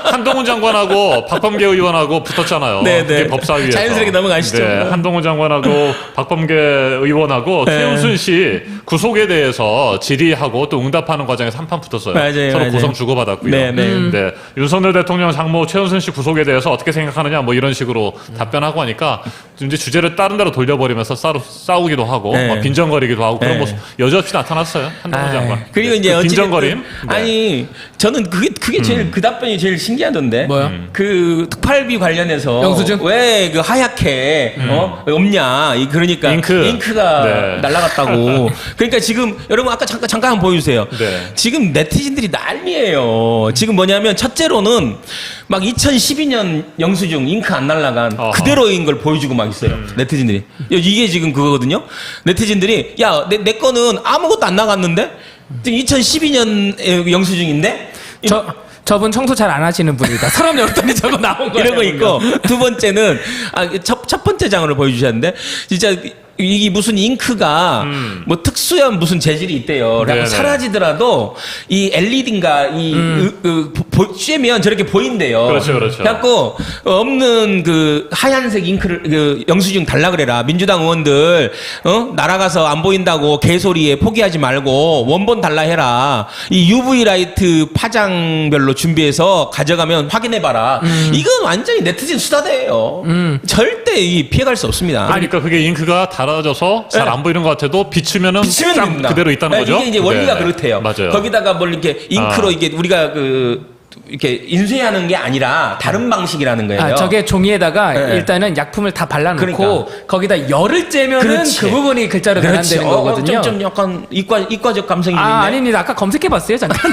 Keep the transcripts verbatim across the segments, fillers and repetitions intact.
한동훈 장관하고 박범계 의원하고 붙었잖아요. 네, 네. 그게 법사위에서. 자연스럽게 넘어가시죠. 네, 한동훈 장관하고 박범계 의원하고 네. 최은순 씨 구속에 대해서 질의하고 또 응답하는 과정에서 한판 붙었어요. 맞아요, 서로 맞아요. 고성 주고받았고요. 네, 네. 음. 네, 윤석열 대통령 장모 최은순 씨 구속에 대해서 어떻게 생각하느냐 뭐 이런 식으로 답변하고 하니까 이제 주제를 다른 데로 돌려버리면서 싸우, 싸우기도 하고 네. 막 빈정거리기도 하고 그런 네. 모습 여지없이 나타났어요. 한동훈 아, 장관. 그리고 네, 이제 그 어찌 빈정거림. 네. 아니 저는 그게 그게 제일 음. 그 답변이 제일 신기하던데. 뭐요? 그 특팔비 관련해서 영수증? 왜 그 하얗게 어 없냐? 이 그러니까 잉크. 잉크가 네. 날라갔다고. 그러니까 지금 여러분 아까 잠깐 잠깐 한번 보여주세요. 네. 지금 네티즌들이 난리예요. 지금 뭐냐면 첫째로는 막 이천십이 년 영수증 잉크 안 날라간 어허. 그대로인 걸 보여주고 막 있어요. 네티즌들이. 이게 지금 그거거든요. 네티즌들이 야, 내, 내 거는 아무것도 안 나갔는데? 지금 이천십이 년 영수증인데? 저 저분 청소 잘 안 하시는 분이다. 사람 열었더니 저거 나온 거예요. 이런 거 있고 두 번째는 아, 첫, 첫 번째 장으로 보여주셨는데 진짜 이게 무슨 잉크가 음. 뭐 특수한 무슨 재질이 있대요. 그래서 네네. 사라지더라도 이 엘이디인가 이 음. 으, 으, 보, 쬐면 저렇게 보인대요. 그렇죠, 그렇죠. 그래갖고 없는 그 하얀색 잉크를 그 영수증 달라 그래라. 민주당 의원들 어 날아가서 안 보인다고 개소리에 포기하지 말고 원본 달라 해라. 이 유브이 라이트 파장별로 준비해서 가져가면 확인해봐라. 음. 이건 완전히 네티즌 수다대예요. 절대 이 피해갈 수 없습니다. 그러니까 그게 잉크가 달아져서 잘 안 네. 보이는 것 같아도 비추면은 비치면 쫙 됩니다. 그대로 있다는 네, 거죠. 이게 이제 원리가 네. 그렇대요. 맞아요. 거기다가 뭘 이렇게 잉크로 아. 이게 우리가 그 이렇게 인쇄하는 게 아니라 다른 방식이라는 거예요. 아, 저게 종이에다가 네. 일단은 약품을 다 발라놓고 그러니까. 거기다 열을 쬐면은 그렇지. 그 부분이 글자로 그렇지. 변환되는 어, 거거든요. 좀, 좀 약간 이과 이과적 감성이 아, 있네. 아닙니다. 아까 검색해봤어요, 잠깐.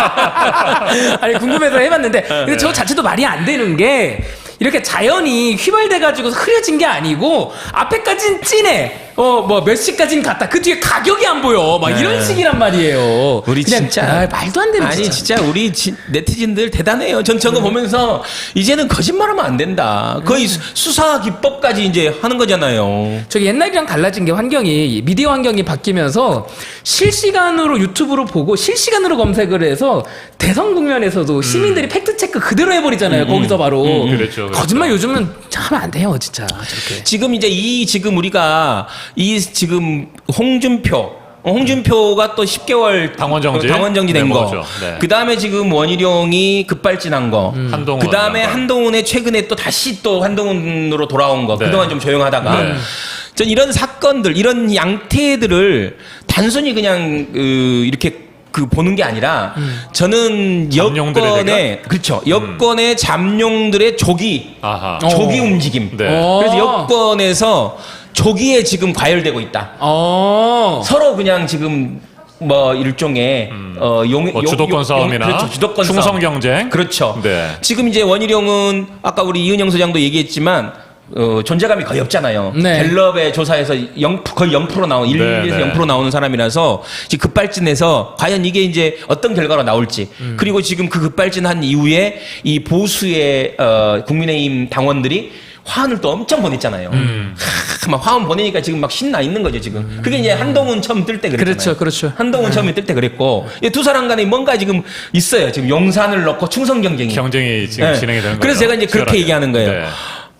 아니, 궁금해서 해봤는데. 근데 저 자체도 말이 안 되는 게, 이렇게 자연이 휘발돼가지고 흐려진 게 아니고, 앞에까진 진해. 어, 뭐, 몇 시까진 갔다. 그 뒤에 가격이 안 보여. 막 네. 이런 식이란 말이에요. 우리 그냥, 진짜 아, 말도 안 되는 아니 진짜. 진짜, 우리 지, 네티즌들 대단해요. 전 저거 보면서 이제는 거짓말하면 안 된다. 거의 수- 수사 기법까지 이제 하는 거잖아요. 저기 옛날이랑 달라진 게 환경이 미디어 환경이 바뀌면서 실시간으로 유튜브로 보고 실시간으로 검색을 해서 대선 국면에서도 시민들이 팩트 체크 그대로 해버리잖아요. 거기서 바로 음, 그렇죠, 그렇죠. 거짓말 요즘은 하면 안 돼요, 진짜 저렇게. 지금 이제 이 지금 우리가 이 지금 홍준표 어, 홍준표가 또 십 개월 당원 정지? 당원 정지된 네, 거. 먹었죠. 네. 그 다음에 지금 원희룡이 급발진한 거. 한동훈 그 다음에 장관. 한동훈의 최근에 또 다시 또 한동훈으로 돌아온 거. 네. 그동안 좀 조용하다가. 네. 전 이런 사건들, 이런 양태들을 단순히 그냥 그 이렇게 그 보는 게 아니라 저는 잠룡들의 여권의 그렇죠. 여권의 잠룡들의 조기 아하. 어. 조기 움직임. 네. 어. 그래서 여권에서 조기에 지금 과열되고 있다. 어. 서로 그냥 지금 뭐 일종의 어 용, 뭐 용- 주도권 용- 싸움이나 그렇죠. 주도권 충성 싸움. 경쟁. 그렇죠. 네. 지금 이제 원희룡은 아까 우리 이은영 소장도 얘기했지만 어, 존재감이 거의 없잖아요. 네. 갤럽의 조사에서 영, 거의 영 퍼센트 나온, 일, 네, 에서 네. 영 퍼센트 나오는 사람이라서 지금 급발진해서 과연 이게 이제 어떤 결과가 나올지. 음. 그리고 지금 그 급발진한 이후에 이 보수의 어, 국민의힘 당원들이 화환을 또 엄청 보냈잖아요. 음. 하, 막 화환 보내니까 지금 막 신나 있는 거죠, 지금. 그게 이제 한동훈 처음 뜰 때 그랬잖아요. 그렇죠, 그렇죠. 한동훈 처음에 뜰 때 그랬고, 이 두 사람 간에 뭔가 지금 있어요. 지금 용산을 넣고 충성 경쟁이. 경쟁이 지금 네. 진행이 되는 거예요. 그래서 제가 이제 그렇게 얘기하는 거예요. 네.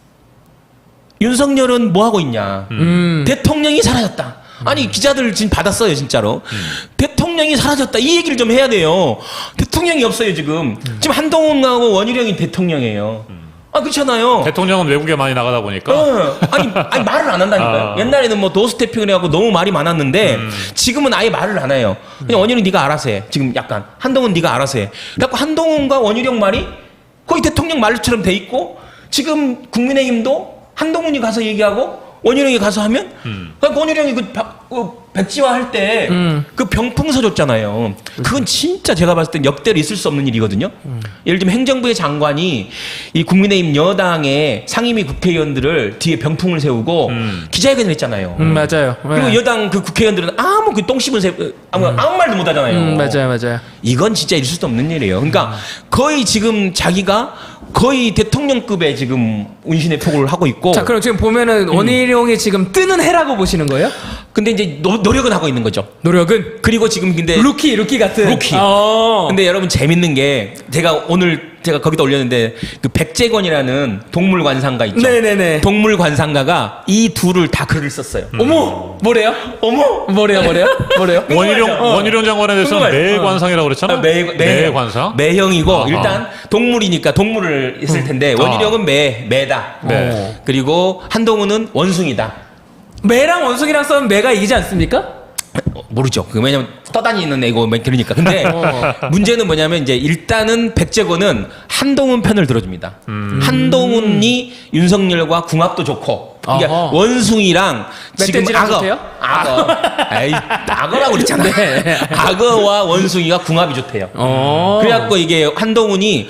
윤석열은 뭐 하고 있냐? 음. 대통령이 사라졌다. 아니 기자들 지금 받았어요 진짜로. 대통령이 사라졌다 이 얘기를 좀 해야 돼요. 대통령이 없어요 지금. 지금 한동훈하고 원희룡이 대통령이에요. 아 그렇잖아요. 대통령은 외국에 많이 나가다 보니까 어, 아니, 아니 말을 안 한다니까요. 아. 옛날에는 뭐 도스태핑을 해갖고 너무 말이 많았는데 지금은 아예 말을 안 해요. 그냥 원희룡 네가 알아서 해. 지금 약간 한동훈 네가 알아서 해. 그래갖고 한동훈과 원희룡 말이 거의 대통령 말처럼 돼 있고 지금 국민의힘도 한동훈이 가서 얘기하고 원희룡이 가서 하면 음. 그러니까 원희룡이 그, 박- 그 백지화 할 때 그 병풍 서줬잖아요. 그건 진짜 제가 봤을 땐 역대로 있을 수 없는 일이거든요. 예를 들면 행정부의 장관이 이 국민의힘 여당의 상임위 국회의원들을 뒤에 병풍을 세우고 음. 기자회견을 했잖아요. 음, 맞아요. 그리고 네. 여당 그 국회의원들은 아무 그 똥심을 세 아무, 아무 말도 못 하잖아요. 음, 맞아요, 맞아요. 이건 진짜 있을 수 없는 일이에요. 그러니까 거의 지금 자기가 거의 대통령급의 지금 운신의 폭을 하고 있고 자, 그럼 지금 보면은 원희룡이 지금 뜨는 해라고 보시는 거예요? 근데 이제 노, 노력은 하고 있는 거죠. 노력은 그리고 지금 근데 루키 루키 같은 루키. 어. 근데 여러분 재밌는 게 제가 오늘 제가 거기다 올렸는데 그 백제건이라는 동물 관상가 있죠. 네네네. 동물 관상가가 이 둘을 다 글을 썼어요. 어머 뭐래요? 어머 뭐래요 뭐래요 뭐래요? 원희룡 어. 원희룡 장관에 대해서는 궁금해요. 매관상이라고 그랬잖아. 아, 매, 매, 매관상. 매형이고 아하. 일단 동물이니까 동물을 했을 텐데 아. 원희룡은 매 매다. 네. 그리고 한동훈은 원숭이다. 매랑 원숭이랑 싸우면 매가 이기지 않습니까? 어, 모르죠. 그 왜냐면 떠다니는 애고 뭐 그러니까. 근데 문제는 뭐냐면 이제 일단은 백제건은 한동훈 편을 들어줍니다. 음. 한동훈이 윤석열과 궁합도 좋고. 그러니까 어허. 원숭이랑 지금 멧돼지랑 악어, 좋대요? 악어, 에이, 악어라고 그랬잖아. 네. 악어와 원숭이가 궁합이 좋대요. 어. 그래갖고 이게 한동훈이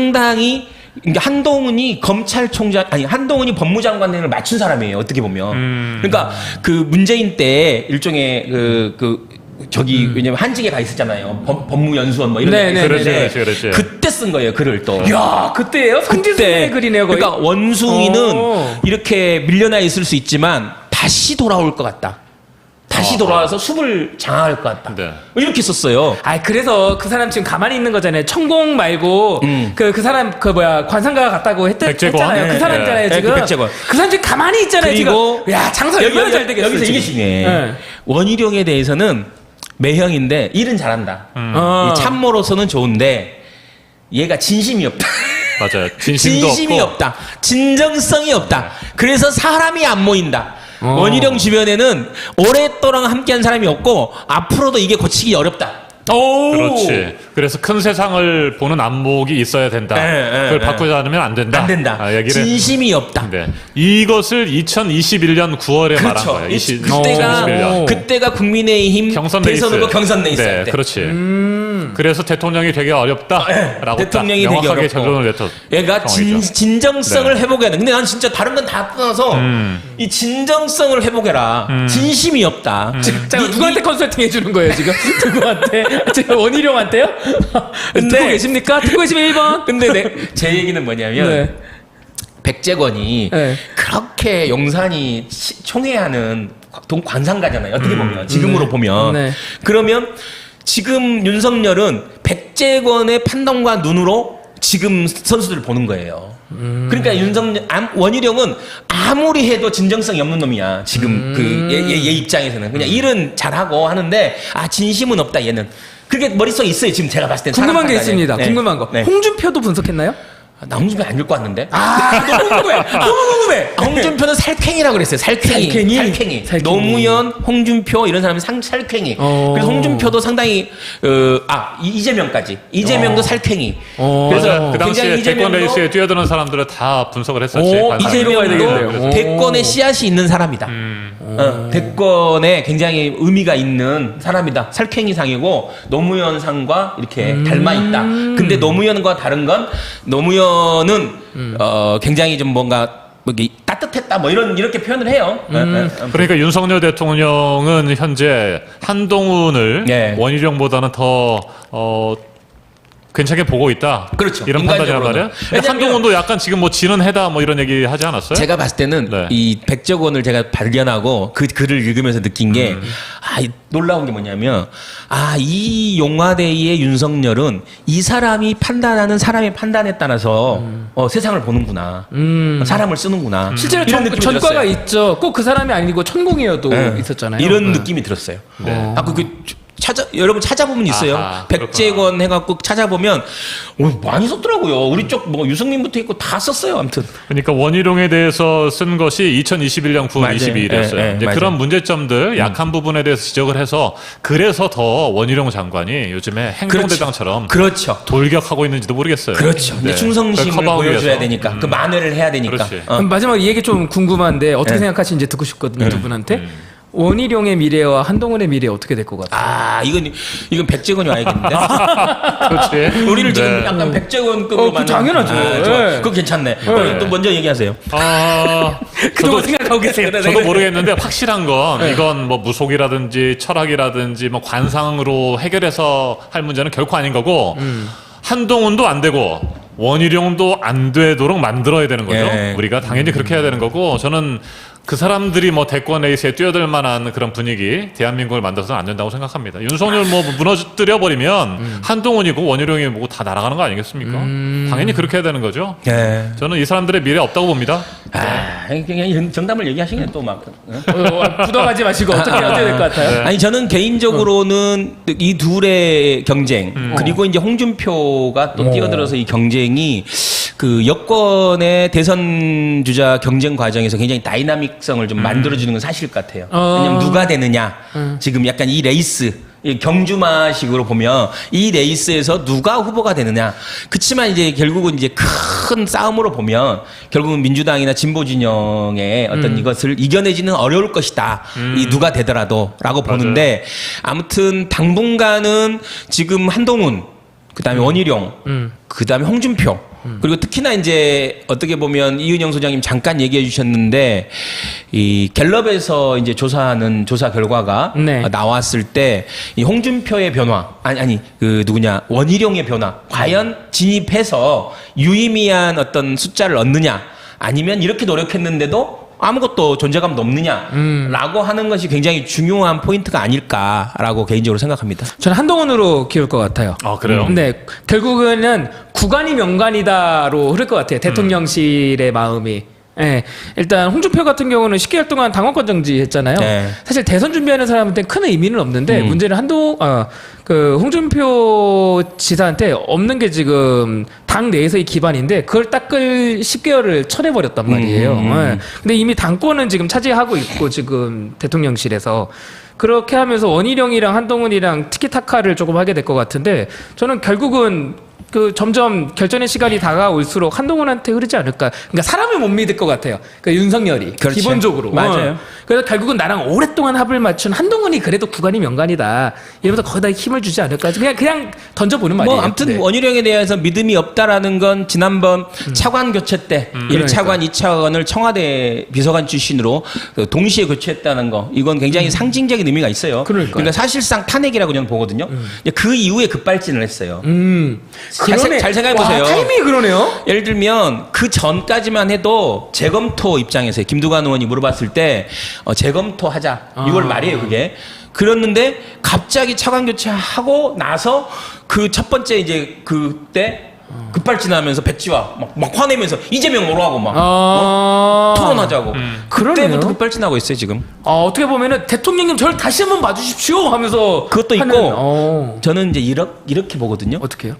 상당히 그러니까 한동훈이 검찰총장 아니 한동훈이 법무장관을 맞춘 사람이에요. 어떻게 보면. 음. 그러니까 그 문재인 때 일종의 그 그 저기 왜냐면 한직에 가 있었잖아요. 법, 법무연수원 뭐 이런 네, 데 네, 그렇지, 있었는데 그렇지, 그렇지. 그때 쓴 거예요. 글을 또. 야 그때예요? 성지순의 글이네요 거의. 그러니까 원숭이는 오. 이렇게 밀려나 있을 수 있지만 다시 돌아올 것 같다. 다시 어. 돌아와서 숲을 장악할 것 같다. 네. 뭐 이렇게 썼어요. 아 그래서 그 사람 지금 가만히 있는 거잖아요. 천공 말고 음. 그 그 사람 그 뭐야 관상가가 갔다고 했, 백제권? 했잖아요. 네, 그 사람이잖아요 네, 지금. 그 백제권. 그 사람 지금 가만히 있잖아요 그리고 지금. 야 장사 여기, 얼마나 여기, 잘 되겠어. 여기서 이게 지금. 중요해. 네. 원희룡에 대해서는 매형인데 일은 잘한다. 어. 이 참모로서는 좋은데 얘가 진심이 없다. 맞아요. 진심도 진심이 없고. 없다. 진정성이 없다. 그래서 사람이 안 모인다. 어. 원희룡 주변에는 오랫동안 함께한 사람이 없고 앞으로도 이게 고치기 어렵다. 오. 그렇지. 그래서 큰 세상을 보는 안목이 있어야 된다. 네, 네, 그걸 네. 바꾸지 않으면 안 된다. 안 된다. 아, 얘기를. 진심이 없다. 네. 이것을 이천이십일 년 구월에 말한 그렇죠. 거예요. 이- 이십- 그때가 이천이십일 년. 그때가 국민의힘 경선 대선 레이스. 후보 경선 레이스 할 네, 때. 그렇지. 음. 그래서 대통령이 되게 어렵다라고 네, 대통령이 딱 되게 명확하게 어렵고. 결론을 냈던 얘가 진, 상황이죠. 진정성을 네. 회복해야 돼. 근데 난 진짜 다른 건 다 떠나서 음. 이 진정성을 회복해라. 진심이 없다. 자, 니- 누구한테 니- 컨설팅 해주는 거예요 지금? 누구한테? 지금 원희룡한테요? 근데- 듣고 계십니까? 듣고 계시면 일 번. 근데 내, 제 얘기는 뭐냐면 네. 백제건이 네. 그렇게 용산이 시- 총회하는 동 관상가잖아요. 어떻게 보면 지금으로 네. 보면 네. 그러면 지금 윤석열은 백제건의 판단과 눈으로 지금 선수들을 보는 거예요. 음. 그러니까 윤석열 암- 원희룡은 아무리 해도 진정성이 없는 놈이야. 지금 그 얘 얘 입장에서는 그냥 일은 잘하고 하는데 아 진심은 없다 얘는. 그게 머릿속에 있어요. 지금 제가 봤을 때 궁금한 게 있습니다. 궁금한 거. 네. 홍준표도 분석했나요? 나 홍준표 안 읽고 왔는데. 아 너무 궁금해. 너무 궁금해. 아, 홍준표는 살쾡이라고 그랬어요. 살쾡이. 살쾡이? 살쾡이. 살쾡이. 노무현, 홍준표 이런 사람이 상, 살쾡이. 어. 그래서 홍준표도 상당히 어, 아 이- 이재명까지. 이재명도 어. 살쾡이. 어. 그래서 맞아요. 그 당시에 굉장히 대권 이재명도- 레이스에 뛰어드는 사람들을 다 분석을 했었지. 오, 관상을. 이재명 가야 되겠네요. 이재명도 오. 대권에 씨앗이 있는 사람이다. 음. 어, 대권에 굉장히 의미가 있는 사람이다. 살쾡이상이고 노무현상과 이렇게 음. 닮아 있다. 근데 노무현과 다른 건 노무현은 음. 어, 굉장히 좀 뭔가 뭐 이게 따뜻했다 뭐 이런 이렇게 표현을 해요. 음. 어, 어, 어. 그러니까 윤석열 대통령은 현재 한동훈을 네. 원희룡보다는 더 어, 괜찮게 보고 있다. 그렇죠. 이런 판단이란 인간적으로는. 말이야. 근데 왜냐면- 한동훈도 약간 지금 뭐 지는 해다 뭐 이런 얘기 하지 않았어요? 제가 봤을 때는 네. 이 백적원을 제가 발견하고 그 글을 읽으면서 느낀 게 음. 아, 이 놀라운 게 뭐냐면 아, 이 용화대의 윤석열은 이 사람이 판단하는 사람의 판단에 따라서 어, 세상을 보는구나. 음. 사람을 쓰는구나. 실제로 이런 전, 느낌이 전과가 들었어요. 있죠. 꼭 그 사람이 아니고 천공이어도 네. 있었잖아요. 이런 네. 느낌이 들었어요. 네. 아, 그, 그 찾아 여러분 찾아보면 있어요. 아하, 백제건 해갖고 찾아보면 어, 많이 썼더라고요. 우리 쪽 뭐 유승민부터 있고 다 썼어요. 아무튼. 그러니까 원희룡에 대해서 쓴 것이 이천이십일 년 구월 맞아요. 이십이일이었어요. 예, 예, 이제 맞아요. 그런 문제점들, 약한 부분에 대해서 지적을 해서 그래서 더 원희룡 장관이 요즘에 행동대장처럼 그렇죠. 돌격하고 있는지도 모르겠어요. 그렇죠. 이제 네. 충성심을 그걸 커버하기 보여줘야 위해서. 되니까 음. 그 만회를 해야 되니까. 그렇지. 어. 그럼 마지막 이 얘기 좀 궁금한데 어떻게 네. 생각하시는지 듣고 싶거든요 두 분한테. 음. 원희룡의 미래와 한동훈의 미래 어떻게 될 것 같아요? 아 이건 이건 백제건이 와야겠는데. 그렇지. 우리를 지금 네. 약간 백제건급으로 어, 그 만든- 당연하죠. 아, 좋아. 네. 그거 괜찮네. 어, 또 먼저 얘기하세요. 아, 그동안 저도 생각하고 계세요. 네, 저도 네. 모르겠는데 확실한 건 이건 뭐 무속이라든지 철학이라든지 뭐 관상으로 해결해서 할 문제는 결코 아닌 거고 한동훈도 안 되고 원희룡도 안 되도록 만들어야 되는 거죠. 예. 우리가 당연히 그렇게 해야 되는 거고 저는 그 사람들이 뭐 대권 레이스에 뛰어들 만한 그런 분위기, 대한민국을 만들어서는 안 된다고 생각합니다. 윤석열 뭐 무너뜨려 버리면 음. 한동훈이고 원희룡이 뭐고 다 날아가는 거 아니겠습니까? 음. 당연히 그렇게 해야 되는 거죠. 네. 저는 이 사람들의 미래 없다고 봅니다. 아, 그냥 이런 정답을 얘기하시네 또 막. 어? 어, 부담하지 마시고 어떻게 해야 될 것 같아요? 네. 아니 저는 개인적으로는 이 둘의 경쟁 음. 그리고 이제 홍준표가 또 어. 뛰어들어서 이 경쟁이 그 여권의 대선 주자 경쟁 과정에서 굉장히 다이나믹성을 좀 만들어주는 건 사실 같아요. 어. 왜냐면 누가 되느냐 지금 약간 이 레이스 이 경주마식으로 보면 이 레이스에서 누가 후보가 되느냐. 그치만 이제 결국은 이제 큰 싸움으로 보면 결국은 민주당이나 진보 진영의 어떤 이것을 이겨내지는 어려울 것이다. 이 누가 되더라도라고 보는데 아무튼 당분간은 지금 한동훈, 그다음에 원희룡, 음. 그다음에 홍준표. 그리고 특히나 이제 어떻게 보면 이은영 소장님 잠깐 얘기해 주셨는데 이 갤럽에서 이제 조사하는 조사 결과가 네. 나왔을 때 이 홍준표의 변화 아니 아니 그 누구냐 원희룡의 변화 과연 진입해서 유의미한 어떤 숫자를 얻느냐 아니면 이렇게 노력했는데도 아무것도 존재감도 없느냐라고 하는 것이 굉장히 중요한 포인트가 아닐까라고 개인적으로 생각합니다. 저는 한동훈으로 키울 것 같아요. 아, 그래요? 근데 결국에는 구간이 명간이다로 흐를 것 같아요. 대통령실의 마음이. 예, 일단 홍준표 같은 경우는 십 개월 동안 당원권 정지했잖아요. 네. 사실 대선 준비하는 사람한테 큰 의미는 없는데 음. 문제는 한동 어, 그 홍준표 지사한테 없는 게 지금 당 내에서의 기반인데 그걸 닦을 십 개월을 쳐내버렸단 말이에요. 음, 음. 예. 근데 이미 당권은 지금 차지하고 있고 지금 대통령실에서 그렇게 하면서 원희룡이랑 한동훈이랑 티키타카를 조금 하게 될 것 같은데 저는 결국은 그 점점 결전의 시간이 다가올수록 한동훈한테 흐르지 않을까. 그러니까 사람을 못 믿을 것 같아요. 그러니까 윤석열이 그렇죠. 기본적으로. 맞아요. 어. 그래서 결국은 나랑 오랫동안 합을 맞춘 한동훈이 그래도 구간이 명간이다. 이러면서 거기다 힘을 주지 않을까. 그냥 그냥 던져보는 말이에요. 뭐 아무튼 네. 원희룡에 대해서 믿음이 없다라는 건 지난번 차관 교체 때 일 차관, 이 차관을 청와대 비서관 출신으로 그 동시에 교체했다는 거 이건 굉장히 상징적인 의미가 있어요. 그러니까요. 그러니까 사실상 탄핵이라고 저는 보거든요. 근데 그 이후에 급발진을 했어요. 음. 잘 생- 잘 생각해보세요. 와, 타이밍이 그러네요. 예를 들면 그 전까지만 해도 재검토 입장에서 김두관 의원이 물어봤을 때 어, 재검토하자 유월 말이에요 그게. 그랬는데 갑자기 차관 교체하고 나서 그 첫 번째 이제 그때 급발진하면서 백지화 막, 막 화내면서 이재명 뭐라고 막 아. 어? 토론하자고. 그러네요. 그때부터 급발진하고 있어요 지금. 어, 어떻게 보면은 대통령님 저를 다시 한번 봐주십시오 하면서 그것도 하는, 있고 어. 저는 이제 이렇게, 이렇게 보거든요. 어떻게요?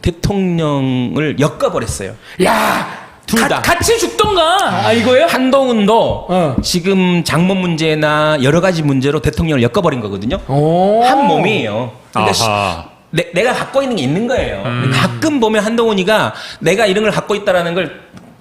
대통령을 엮어버렸어요. 야, 둘 가- 다. 같이 죽던가. 아 이거요? 한동훈도 어. 지금 장모 문제나 여러 가지 문제로 대통령을 엮어버린 거거든요. 오. 한 몸이에요. 그러니까 시- 아하. 내, 내가 갖고 있는 게 있는 거예요. 음. 가끔 보면 한동훈이가 내가 이런 걸 갖고 있다라는 걸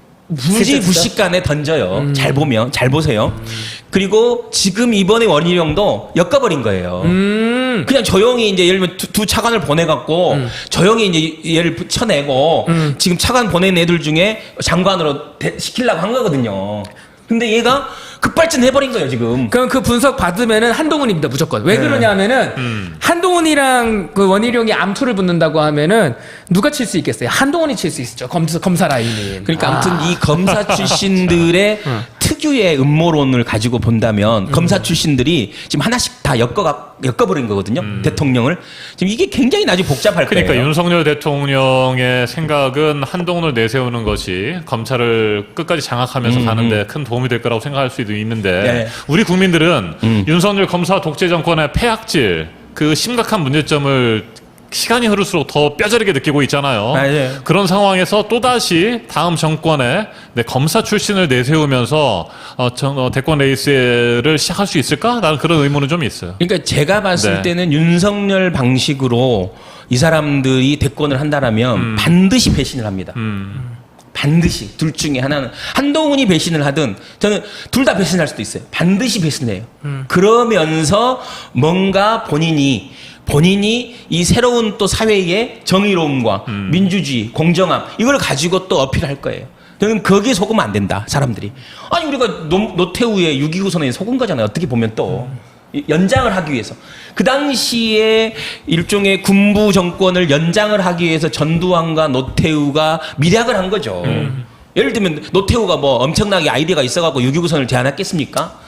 무지부식간에 던져요. 음. 잘 보면 잘 보세요. 그리고 지금 이번에 원희룡도 엮어버린 거예요. 음. 그냥 조용히 이제 예를 들면 두, 두 차관을 보내갖고 조용히 이제 얘를 붙여내고 음. 지금 차관 보낸 애들 중에 장관으로 대- 시키려고 한 거거든요. 근데 얘가 급발진 해버린 거예요 지금. 그럼 그 분석 받으면은 한동훈입니다 무조건. 왜 네. 그러냐면은 음. 한동훈이랑 그 원희룡이 암투를 붙는다고 하면은 누가 칠 수 있겠어요? 한동훈이 칠 수 있죠. 검사 검사 라인이. 그러니까 아. 아무튼 이 검사 출신들의 특유의 음모론을 가지고 본다면 검사 출신들이 지금 하나씩 다 엮어 엮어버린 거거든요. 대통령을 지금 이게 굉장히 나중에 복잡할 그러니까 거예요. 윤석열 대통령의 생각은 한동훈을 내세우는 것이 검찰을 끝까지 장악하면서 음, 가는데 큰 도움이 될 거라고 생각할 수도 있는데 네. 우리 국민들은 음. 윤석열 검사 독재 정권의 폐악질 그 심각한 문제점을 시간이 흐를수록 더 뼈저리게 느끼고 있잖아요. 맞아요. 그런 상황에서 또다시 다음 정권에 네, 검사 출신을 내세우면서 어, 정, 어, 대권 레이스를 시작할 수 있을까? 나는 그런 의문은 좀 있어요. 그러니까 제가 봤을 네. 때는 윤석열 방식으로 이 사람들이 대권을 한다라면 반드시 배신을 합니다. 음. 반드시 둘 중에 하나는 한동훈이 배신을 하든 저는 둘 다 배신할 수도 있어요. 반드시 배신해요. 그러면서 뭔가 본인이 본인이 이 새로운 또 사회의 정의로움과 민주주의, 공정함 이걸 가지고 또 어필할 거예요. 저는 거기에 속으면 안 된다. 사람들이. 아니 우리가 노, 노태우의 육이구 선언에 속은 거잖아요. 어떻게 보면 또. 이- 연장을 하기 위해서. 그 당시에 일종의 군부 정권을 연장을 하기 위해서 전두환과 노태우가 밀약을 한 거죠. 예를 들면 노태우가 뭐 엄청나게 아이디어가 있어갖고 육이구 선언을 제안했겠습니까?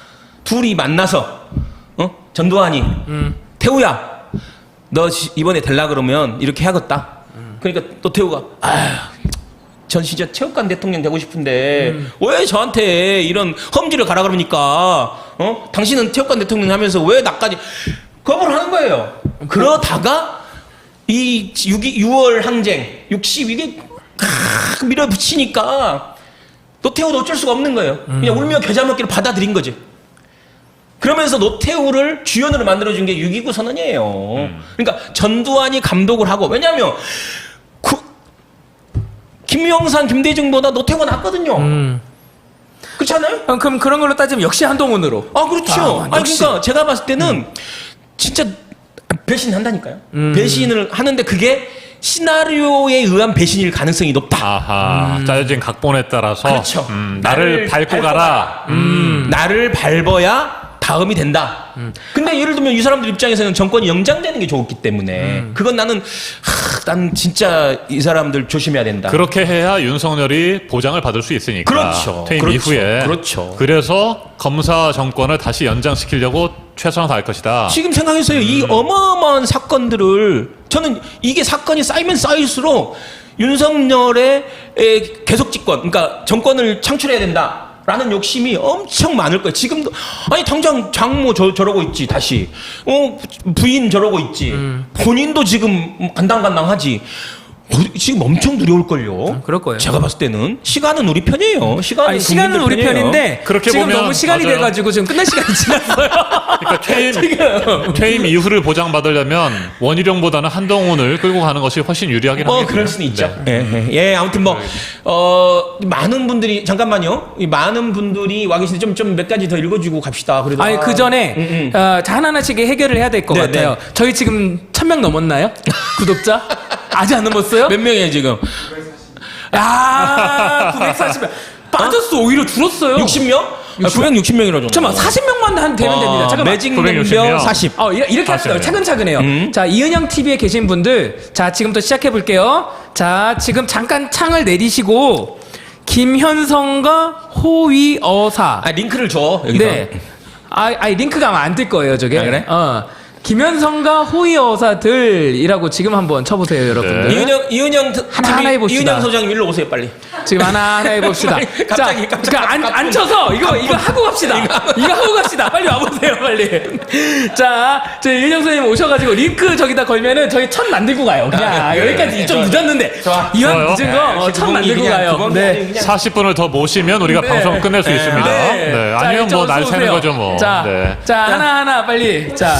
둘이 만나서 어? 전두환이 음. 태우야 너 지- 이번에 될라 그러면 이렇게 하겠다. 음. 그러니까 또 태우가 아휴 전 진짜 체육관 대통령 되고 싶은데 음. 왜 저한테 이런 험지를 가라 그러니까 어? 당신은 체육관 대통령 하면서 왜 나까지 거부를 하는 거예요. 그러다가 이 유월 항쟁 육십 이게 칵 밀어붙이니까 노태우도 어쩔 수가 없는 거예요. 그냥 울며 겨자 먹기를 받아들인 거지. 그러면서 노태우를 주연으로 만들어준 게 육이구 선언이에요. 그러니까 전두환이 감독을 하고 왜냐하면 그 김영삼, 김대중보다 노태우가 낫거든요. 음. 그렇지 않아요? 어, 그럼 그런 걸로 따지면 역시 한동훈으로. 아 그렇죠. 아, 아, 역시. 그러니까 제가 봤을 때는 진짜 배신한다니까요. 음. 배신을 하는데 그게 시나리오에 의한 배신일 가능성이 높다. 아하, 짜여진 각본에 따라서 그렇죠. 음, 나를 밟고 가라. 음. 나를 밟아야 다음이 된다. 근데 예를 들면 이 사람들 입장에서는 정권이 연장되는 게 좋기 때문에 그건 나는 하, 난 진짜 이 사람들 조심해야 된다. 그렇게 해야 윤석열이 보장을 받을 수 있으니까. 그렇죠. 퇴임 그렇죠. 이후에. 그렇죠. 그래서 검사 정권을 다시 연장시키려고 최선을 다할 것이다. 지금 생각해서요. 이 어마어마한 사건들을 저는 이게 사건이 쌓이면 쌓일수록 윤석열의 에, 계속 집권, 그러니까 정권을 창출해야 된다. 라는 욕심이 엄청 많을 거예요. 지금도 아니 당장 장모 저, 저러고 있지 다시 어 부인 저러고 있지 음. 본인도 지금 간당간당하지. 어, 지금 엄청 두려울걸요. 그럴 거예요. 제가 봤을 때는 시간은 우리 편이에요. 시간은, 아니, 시간은 우리 국민들 편이에요. 편인데 그렇게 지금 보면 너무 시간이 맞아요. 돼가지고 지금 끝날 시간이 지났어요. 그러니까 퇴임, 퇴임 이후를 보장받으려면 원희룡보다는 한동훈을 끌고 가는 것이 훨씬 유리하긴 뭐 하겠네요. 그럴 수는 있죠. 네. 예, 예, 예, 아무튼 뭐 어, 많은 분들이 잠깐만요. 이 많은 분들이 와 계신데 좀 좀 몇 가지 더 읽어주고 갑시다. 그래도 아니 아, 그 전에 음, 음. 어, 자, 하나하나씩 해결을 해야 될 것 네, 같아요. 네. 저희 지금 천 명 넘었나요? 구독자? 아직 안 넘었어요? 몇 명이에요 지금? 아, 구백사십 명. 빠졌어. 오히려 줄었어요. 육십 명? 아, 구백육십 명이라죠. 잠깐만, 사십 명만 한 되면 됩니다. 잠깐만. 매직 구백육십 명. 멤버 사십. 어, 이- 이렇게 합시다. 사십 명. 차근차근해요. 음. 자, 이은영 티비에 계신 분들, 자, 지금부터 시작해 볼게요. 자, 지금 잠깐 창을 내리시고, 김현성과 호위어사. 아 링크를 줘 여기다. 네. 아, 아니, 링크가 아마 안 뜰 거예요, 저게. 아, 그래? 어. 김현성과 호위어사들이라고 지금 한번 쳐보세요, 여러분들. 네. 이은영 이은영 트- 하나 하나 해봅시다. 이은영 소장님 일로 오세요 빨리. 지금 하나 하나 해봅시다. 아니, 갑자기, 자, 갑자기, 그러니까 안, 갑자기. 앉혀서 이거 이거 하고 갑시다. 이거 하고 갑시다. 빨리 와보세요, 빨리. 자, 저희 윤영 선생님 오셔가지고 링크 저기다 걸면은 저희 천 만들고 가요. 그냥 아, 그래, 여기까지 그래. 좀 좋아. 늦었는데 좋아. 이왕 좋아요. 늦은 거 어, 천 만들고 가요. 네. 사십 분을 더 모시면 우리가 네. 방송 끝낼 수 네. 있습니다. 네. 네. 자, 아니면 뭐 이쪽으로 날 새는 쏘세요. 거죠 뭐. 자, 네. 자 하나 하나 빨리. 자,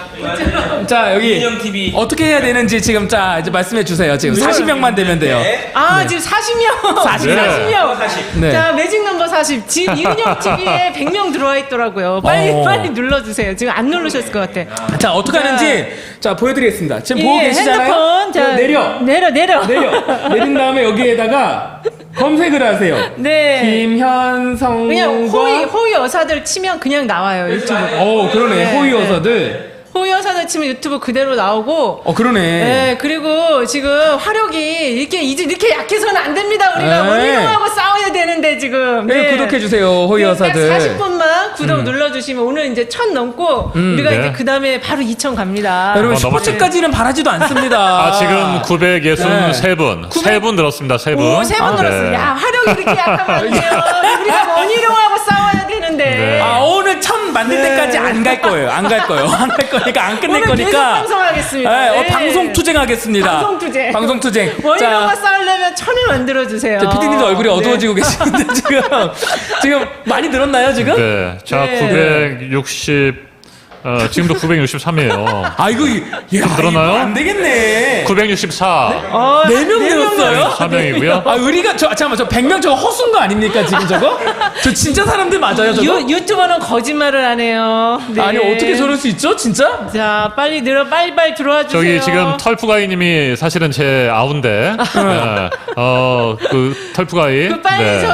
자 여기 이은영 티비. 어떻게 해야 되는지 지금 자 이제 말씀해 주세요. 지금 사십 명만 되면 돼요. 네. 아 지금 사십 명 사십 명. 사십 명 네. 자 매직 넘버 사십 지금 이은영 티비에 백 명 들어와 있더라고요. 빨리 어. 빨리 눌러주세요. 지금 안 누르셨을 것 같아. 자 어떻게 자. 하는지 자 보여드리겠습니다. 지금 보고 예, 계시잖아요. 핸드폰 자, 내려. 내려 내려 내려 내린 다음에 여기에다가 검색을 하세요. 네. 김현성과 그냥 호위 호위 여사들 치면 그냥 나와요 유튜브. 어 그러네 네, 호위 네. 여사들. 호위 여사들 치면 유튜브 그대로 나오고. 어 그러네. 네, 그리고 지금 화력이 이렇게 이제 이렇게 약해서는 안 됩니다. 우리가 네. 원희룡하고 싸워야 되는데 지금. 네, 구독해 주세요 호위 여사들. 사십 분만 구독 눌러주시면 오늘 이제 천 넘고 우리가 네. 이제 그 다음에 바로 이천 갑니다. 여러분 어, 너무 스포츠까지는 바라지도 않습니다. 아, 지금 구백육십삼 분. 세 분 들었습니다. 세 분. 오, 세 분 아, 들었어요. 네. 야, 화력이 이렇게 약하면 안 돼요. 우리가 원희룡하고 싸워야 되는데. 네. 아 오늘 천 만들 네. 때까지 안 갈 거예요. 안 갈 거예요. 안 갈 거니까 안 끝낼 오늘 계속 거니까. 방송하겠습니다. 네, 어, 네. 방송 투쟁하겠습니다. 방송 투쟁. 방송 투쟁. 원희룡과 싸우려면 천을 만들어주세요. 피디님도 얼굴이 네. 어두워지고 계시는데 지금 지금 많이 늘었나요 지금? 네. 자, 네. 구백육십 어, 지금도 구백육십삼이에요. 아 이거 이- 야, 늘었나요? 이거 안 되겠네. 구백육십사. 어, 네 명 네 명 늘었어요? 사 명이고요. 아 우리가 저 아, 잠깐만 저 백 명 저거 허수인 거 아닙니까 지금 저거? 저 진짜 사람들 맞아요 저거? 유, 유튜버는 거짓말을 안 해요. 네. 아니 어떻게 저럴 수 있죠 진짜? 자, 빨리 늘어, 빨리 빨리 들어와 주세요. 저기 지금 털프가이님이 사실은 제 아우인데, 네. 어, 그 털프가이. 그 빨리 네. 저기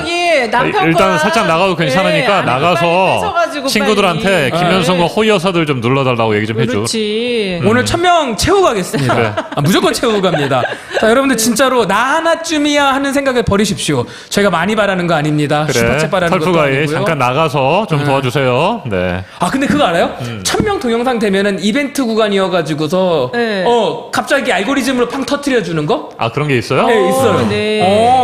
네, 남편과 일단 살짝 나가도 괜찮으니까 네, 나가서 빨리 뺏어가지고 친구들한테 빨리. 김현성과 네. 호의 여사들 좀 눌러달라고 얘기 좀 해줘. 그렇지. 오늘 천 명 채우고 가겠습니다. 그래. 아, 무조건 채우고 갑니다. 자, 여러분들 진짜로 나 하나쯤이야 하는 생각을 버리십시오. 저희가 많이 바라는 거 아닙니다. 그래. 슈퍼챗 바라는 것도 털프가이 아니고요. 잠깐 나가서 좀 도와주세요. 네. 아 근데 그거 알아요? 음. 천 명 동영상 되면은 이벤트 구간이어가지고서 네. 어 갑자기 알고리즘으로 팡 터트려 주는 거? 아 그런 게 있어요? 네 있어요. 네.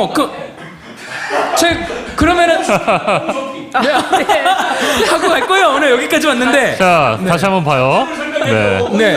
어그제 그러면은 네, 하고 갈 거예요. 오늘 여기까지 왔는데. 자 다시 한번 봐요. 네. 네.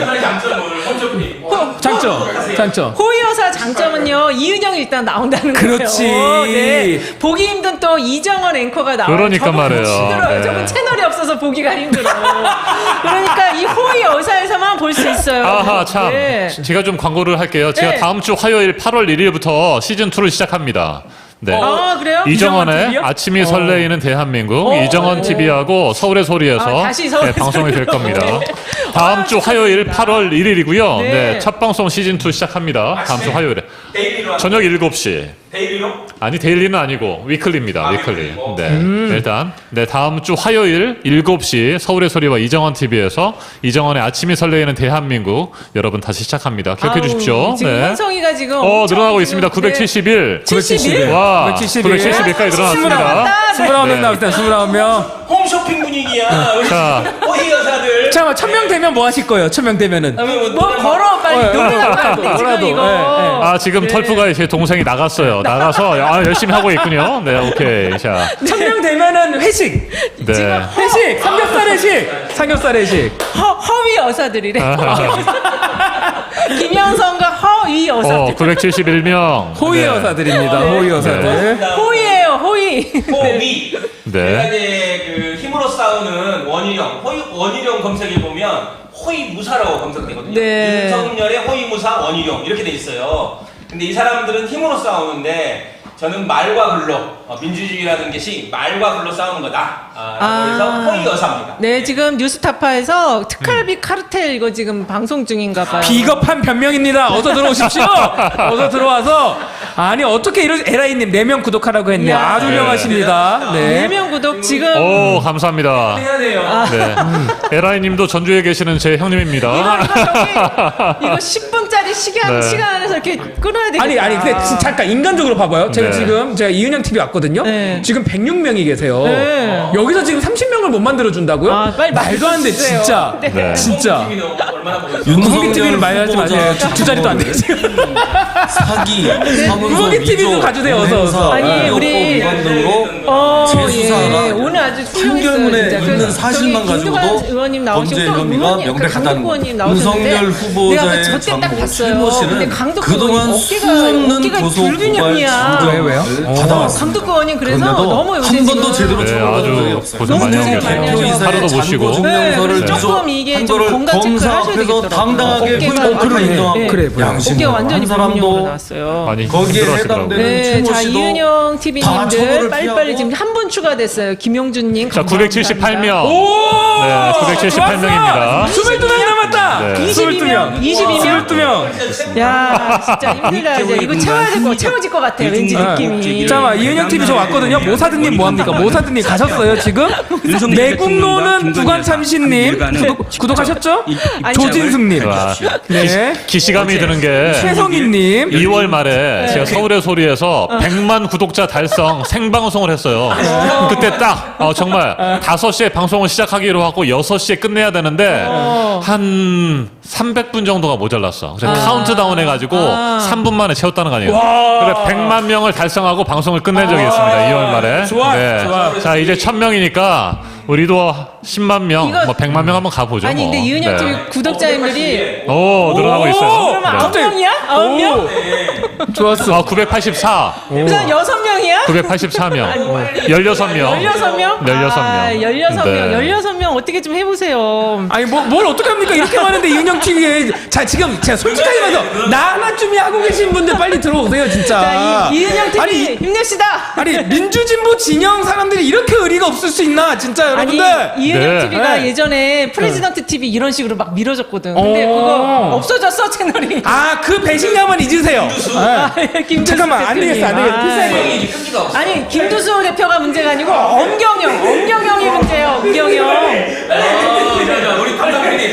장점을 장점 장점. 호의 여사 장점은요 이은영이 일단 나온다는 그렇지. 거예요. 네. 보기 힘든 또 이정원 앵커가 나와요. 그러니까 저분 말이에요. 힘들어요. 네. 저분 채널이 없어서 보기가 힘들어. 그러니까 이 호의 여사에서만 볼 수 있어요. 아하 참 네. 제가 좀 광고를 할게요. 제가 네. 다음 주 화요일 팔월 일일부터 시즌 이를 시작합니다. 네. 아 그래요? 이정원의 이정원 티비요? 아침이 설레이는 대한민국 어. 이정원 티비하고 서울의 소리에서 아, 다시 서울의 네, 방송이 될 소리로. 겁니다. 네. 다음 아, 주 화요일 팔월 일일이고요. 네. 네. 첫 방송 시즌 이 시작합니다. 다음 주 화요일에 데일리로 저녁 일곱 시. 데일리로 아니 데일리는 아니고 위클리입니다. 아, 위클리. 위클리. 어. 네. 네, 일단 네 다음 주 화요일 일곱 시 서울의 소리와 이정원 티비에서 이정원의 아침이 설레이는 대한민국 여러분 다시 시작합니다. 기억해 아우, 주십시오. 지금 네. 현성이가 지금 어 엄청 늘어나고 지금, 있습니다. 네. 구백칠십일. 구백칠십일? 와, 구백칠십일. 구백칠십일까지 늘어났습니다. 스물아홉 명 네. 나왔다. 스물아홉 명. 홈쇼핑 분위기야. 우리 자. 호의 여사들. 잠깐만 천 명 되면 뭐 하실 거예요? 천 명 되면은. 뭐 걸어 빨리 어, 노래나 어, 빨리 지금 뭐라도, 이거. 예, 예. 아 지금 털프가 제 동생이 나갔어요. 나가서 아, 열심히 하고 있군요. 네, 오케이. 자, 천 명 되면은 회식. 네. 회식. 삼겹살 회식. 삼겹살 회식. 허, 허위 여사들이래. 아. 김영선과 허위 어, 여사들. 구백칠십일 명. 호의 네. 여사들입니다. 호의 여사들. 호위예요, 호위. 호위. 네. 내가 이제 그 힘으로 싸우는 원희룡, 호위, 원희룡 검색해 보면 호위무사라고 검색되거든요. 네. 윤석열의 호위무사 원희룡 이렇게 돼 있어요. 근데 이 사람들은 힘으로 싸우는데 저는 말과 글로 어, 민주주의라는 것이 말과 글로 싸우는 거다. 아, 아. 그래서 호위 여사입니다. 네, 지금 뉴스타파에서 특활비 카르텔 이거 지금 방송 중인가 봐요. 비겁한 변명입니다. 어서 들어오십시오. 어서 들어와서 아니 어떻게 이런 에라이님 네 명 구독하라고 했네. 이야. 아주 네. 훌륭하십니다. 네 네. 명 구독 지금 오, 감사합니다. 해야 돼요. 네. 에라이님도 전주에 계시는 제 이거 형님입니다. 이거 저기 이거 십 분짜리 시간 네. 시간 안에서 이렇게 끊어야 되겠다. 아니 아니 근데 진- 잠깐 인간적으로 봐봐요. 제가 네. 지금 제가 이은영 티비 왔거든요. 네. 지금 백육 명이 계세요. 네. 여기서 지금 삼십 명을 못 만들어 준다고요? 아, 빨리 말도 안 돼 만들어주세요. 진짜. 네. 네. 진짜. TV는 얼마나 보고 있어요? 구멍기 티비는 많이 하지 마세요. 두, 두 자리도 안 돼요. 지금. 사기, 사문서, 구멍기 티비도 위조, 가주세요, 어서, 어서. 아니, 공행사, 우리- 위반 등으로 어, 재수사가 예. 오늘 아주 훌륭했어요. 판결문에 진짜. 있는 그래서 사실만 저기 김두관 가지고도 의원님 나오시고 범죄 또 혐의가 의원님, 그 명백하다는 강덕구 거. 의원님 나오셨는데 윤석열 후보자의 내가 저때 딱 장모 봤어요. 최모 씨는 근데 강덕구 그동안 의원님 수없는 어깨가 고소 고발 불균형이야. 왜요, 왜요? 장정을 받아왔습니다. 강덕구 의원님 그래서 그런데도 너무 요새 한 번도 지금 제대로 네, 처벌한 적이 아주 없어요. 고생 많이 하고 너무 계세요. 많이 하셔서 하루도 못 쉬고. 증명서를 네, 조금 이게 한 좀 거를 건강 체크를 하셔야 검사 앞에서 되겠더라고요. 당당하게 어깨가 불법을 완전히, 인정하고 네. 그래, 보여요. 양심으로 어깨가 완전히 한 사람도 불균형으로 나왔어요. 많이 거기에 힘들어하시더라고요. 해당되는 네, 최모 자 씨도 이은영 다 티비님들 처벌을 빨리빨리 피하고 지금 한 분 추가됐어요. 김용준님. 자, 구백칠십팔 명. 오! 네, 구백칠십팔 명입니다. 스물두 명 남았다. 네. 스물두 명. 이십이 명? 스물두 명. 야, 진짜 힘들다. 이제 이거 채워야 될 거, 채워질 것 같아. 왠지 느낌이. 잠깐만 이은영 티비 저 왔거든요. 모사드님 뭐합니까? 모사드님 가셨어요 지금? 내국노는 부관참신님 구독, 구독하셨죠? 조진숙님, 와, 네, 기시감이 드는 게 최성희님, 이월 말에 제가 서울의 소리에서 백만 구독자 달성 생방송을 했어요. 그때 딱 어, 정말 다섯 시에 방송을 시작하기로 하고 여섯 시에 끝내야 되는데 한 삼백 분 정도가 모자랐어. 그래서 카운트다운 해가지고 삼 분 만에 채웠다는 거 아니에요. 그래 백만 명을 달성하고 방송을 끝낸 적이 있습니다. 이월 말에. 좋아, 좋아. 자 이제 천 명이니까 우리도 십만 명, 이거- 뭐 백만 명 한번 가보죠. 아니, 근데 뭐. 이은영 네. 티비 구독자님들이. 오 늘어나고 있어요. 그러면 아홉 네. 명이야? 아홉 명? 오, 좋았어. 아 구백팔십사, 그럼 여섯 명이야? 구백팔십사 명, 열여섯 명, 열여섯 명? 열여섯 명. 아, 열여섯 명. 네. 열여섯 명 어떻게 좀 해보세요. 아니 뭐, 뭘 어떻게 합니까? 이렇게 많은데 이은영 티비에 자 지금 제가 솔직하게 말해서 나 하나쯤이 하고 계신 분들 빨리 들어오세요 진짜. 자, 이, 이은영 티비 아니, 힘냅시다. 아니 민주진보 진영 사람들이 이렇게 의리가 없을 수 있나 진짜 아니 여러분들. 이은영 네. 티비가 네. 예전에 프레지던트 티비 이런 식으로 막 밀어줬거든. 근데 오. 그거 없어졌어 채널이. 아 그 배신감은 잊으세요. 네. 김준수 잠깐만 안 대표님. 되겠어 안 되겠어. 아, 필살기. 이제 끈기가 없어. 아니 아니 김두수 대표가 문제가 아니고 엄경영, 엄경영이 문제예요. 엄경영. 우리 감독님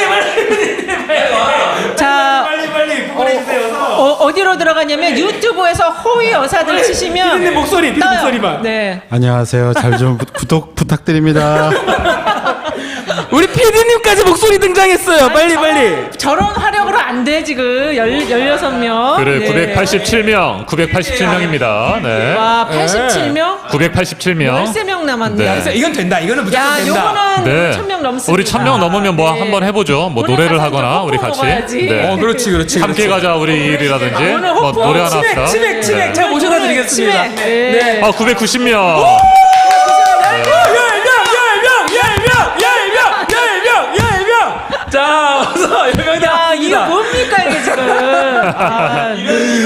자, 빨리 빨리 구분해주세요. 어, 어디로 들어가냐면 유튜브에서 호위 여사들 치시면 피디님 목소리, 피디님 떠요. 목소리만. 네. 안녕하세요. 잘 좀 구독 부탁드립니다. 우리 피디님까지 목소리 등장했어요. 빨리 빨리. 저런 화력으로 안 돼 지금 열 열여섯 명. 그래 네. 구백팔십칠 명, 구백팔십칠 명입니다. 네. 와, 팔십칠 명? 구백팔십칠 명. 열세 명 남았네. 네. 그래서 이건 된다. 이거는 무조건 야, 된다. 요거는 네. 천 명 넘습니다. 우리 천 명 넘으면 뭐 네. 한번 해보죠. 뭐 오늘 노래를 가서 하거나 좀 우리 호프 같이. 먹어야지. 네. 어, 그렇지, 그렇지. 함께 가자 우리 일이라든지 오늘 뭐 호프, 노래 하나 치맥, 합시다. 치맥, 치맥. 네. 제가 모셔다 드리겠습니다. 치맥. 네. 아 구백구십 명. 자, 어서 열명 야, 이거 뭡니까 이게 지금? 아,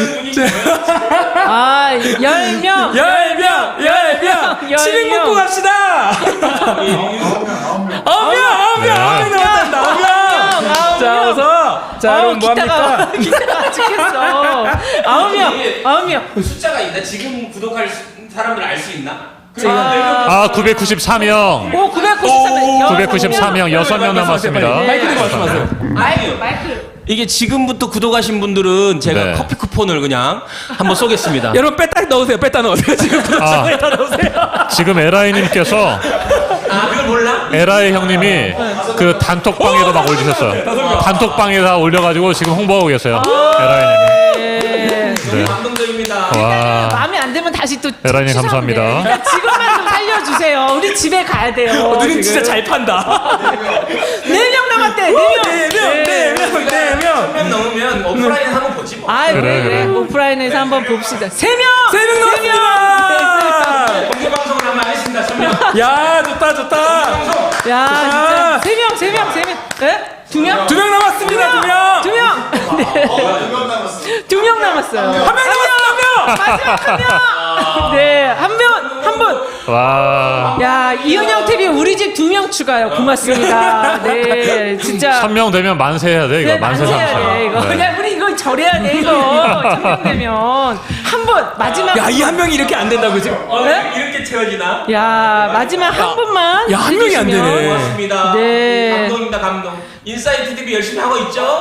아, 열 명. 열명, 열명, 열 치맥 명. 먹고 갑시다. 어명, 어명, 어명 나왔다. 어명. 자, 어서. 자, 아우, 그럼 뭐 기타가, 합니까? 기타가 죽겠어. 아홉 명, 아홉 명. 숫자가 있나? 지금 구독할 사람들 알 수 있나? 아 구백구십사 명. 오, 구백구십삼 명. 구백구십사 명, 여섯 명 남았습니다. 마이크 들고 말씀하세요. 마이크, 마이크. 이게 지금부터 구독하신 분들은 제가 네. 커피 쿠폰을 그냥 한번 쏘겠습니다. 여러분 뺐다 넣으세요. 뺐다 넣으세요. 지금 아. 뺐다 넣으세요. 지금 에라이님께서 아, 그걸 몰라? 에라이 형님이 그 단톡방에도 막 올리셨어요. 단톡방에다 올려가지고 지금 홍보하고 계세요. 에라이님이. 네. 네. 감동적입니다. 와. 마음에 안 들면 다시 또 에라이님 취소하면 감사합니다. 돼. 그러니까 지금만 좀 살려주세요. 우리 집에 가야 돼요. 누님 지금. 진짜 잘 판다. 네 명 남았대. 네 명. 네 명, 네 명, 네 명. 한 명 넘으면 오프라인 한번 보지 뭐. 아, 그래, 그래, 그래. 그래. 오프라인에서 한번 봅시다. 세 명. 세 명 남았습니다. 공개 방송을 하면 하겠습니다. 천명. 야, 좋다, 좋다. 야, 진짜 세 명, 세 명, 세 명. 에? 두 명? 두 명 남았습니다. 두 명. 두 명. 네. 두 명 남았어요. 한 명 남았어, 한 명. 마지막 한 명. 네, 한 명, 한 분. 와. 야, 이은영 티비 우리 집 두 명 추가요. 고맙습니다. 네, 진짜. 천 명 되면 만세 해야 돼 이거. 네, 만세 만세해야 삼천. 돼 이거. 네. 그냥 우리 이거 절해야 돼 이거. 천 명 되면 한 분 마지막. 야, 이 한 명이 이렇게 안 된다고 지금. 네? 이렇게 채워지나? 야, 마지막 한 분만. 야, 한 명이 안 해주시면. 되네. 고맙습니다. 네. 감동입니다, 감동. 인사이트 티비 열심히 하고 있죠?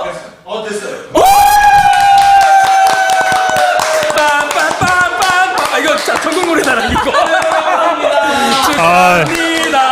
빰빰빰빰빰. 아, 이거 자, 전국 노래잖아 이거. 아, 축하합니다.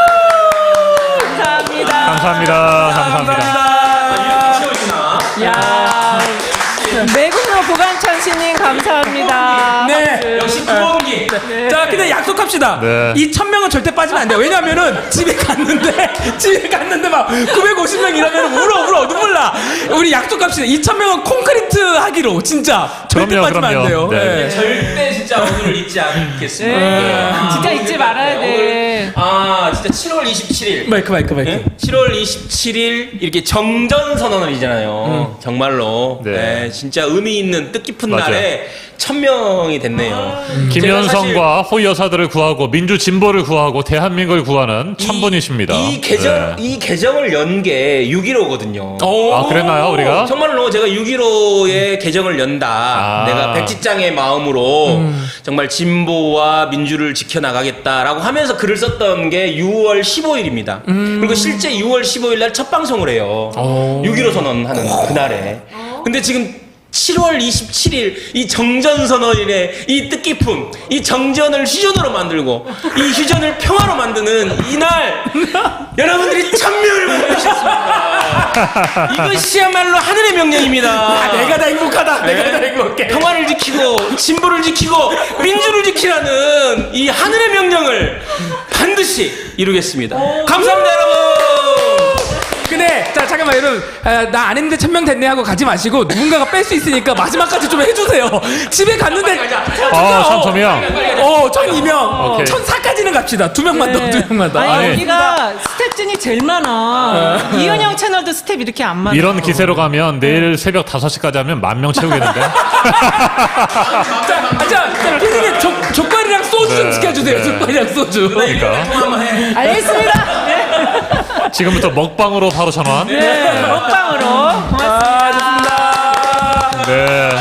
감사합니다. 감사합니다. 감사합니다. 채워지나? 야, 매국노 보관천 신님 감사합니다. 네. 역시 부엉기. 자, 근데 약속합시다. 네. 이 천 명은 절대 빠지면 안 돼요. 왜냐면은 집에 갔는데 집에 갔는데 막 구백오십 명 이러면 울어 울어 눈물 나. 우리 약속합시다. 이 천 명은 콘크리트 하기로 진짜 절대 그럼요, 빠지면 안 돼요. 그럼요. 네. 네. 절대 진짜 오늘을 잊지 않겠습니다. 네, 아, 진짜 잊지 말아야 돼. 아, 진짜 칠월 이십칠일. 마이크 마이크 마이크. 네? 칠월 이십칠일 이렇게 정전 선언을이잖아요. 정말로. 네. 네. 진짜 의미 있는 뜻깊은 맞아요. 날에 천 명이 됐네요. 김현성과 호위 여사들을 구하고 민주 진보를 구하고 대한민국을 구하는 천분이십니다. 이 계정 네. 이 계정을 연 게 육점일오거든요. 아 그랬나요 우리가? 정말로 제가 육점일오에 계정을 연다. 아. 내가 백지장의 마음으로 정말 진보와 민주를 지켜나가겠다라고 하면서 글을 썼던 게 유월 십오일입니다. 그리고 실제 유월 십오일 날 첫 방송을 해요. 육점일오 선언하는 그날에. 근데 지금 칠월 이십칠일 이 정전선언일에 이 뜻깊음, 이 정전을 휴전으로 만들고 이 휴전을 평화로 만드는 이날 여러분들이 천명을 만드셨습니다. 이것이야말로 하늘의 명령입니다. 아, 내가 다 행복하다. 내가 다 행복해. 평화를 지키고 진보를 지키고 민주를 지키라는 이 하늘의 명령을 반드시 이루겠습니다. 감사합니다, 여러분. 근데 자 잠깐만 여러분 아, 나 안 했는데 천 명 됐네 하고 가지 마시고 누군가가 뺄 수 있으니까 마지막까지 좀 해주세요. 집에 갔는데 아, 천삼 명. 어, 천이 명. 오케이. 천사까지는 갑시다. 두 명만 더, 두 명만 더. 아니, 아니. 여기가 스텝진이 제일 많아. 이은영 채널도 스텝 이렇게 안 많아. 이런 기세로 가면 내일 새벽 다섯 시까지 하면 만 명 채우겠는데? 자, 자, 자, 피디님 족- 족발이랑 소주 좀 네, 시켜주세요. 네. 족발이랑 소주. 그러니까 통화 한번 해. 알겠습니다. 네. 지금부터 먹방으로 바로 전환. 네, 먹방으로. 고맙습니다. 아, 좋습니다. 네.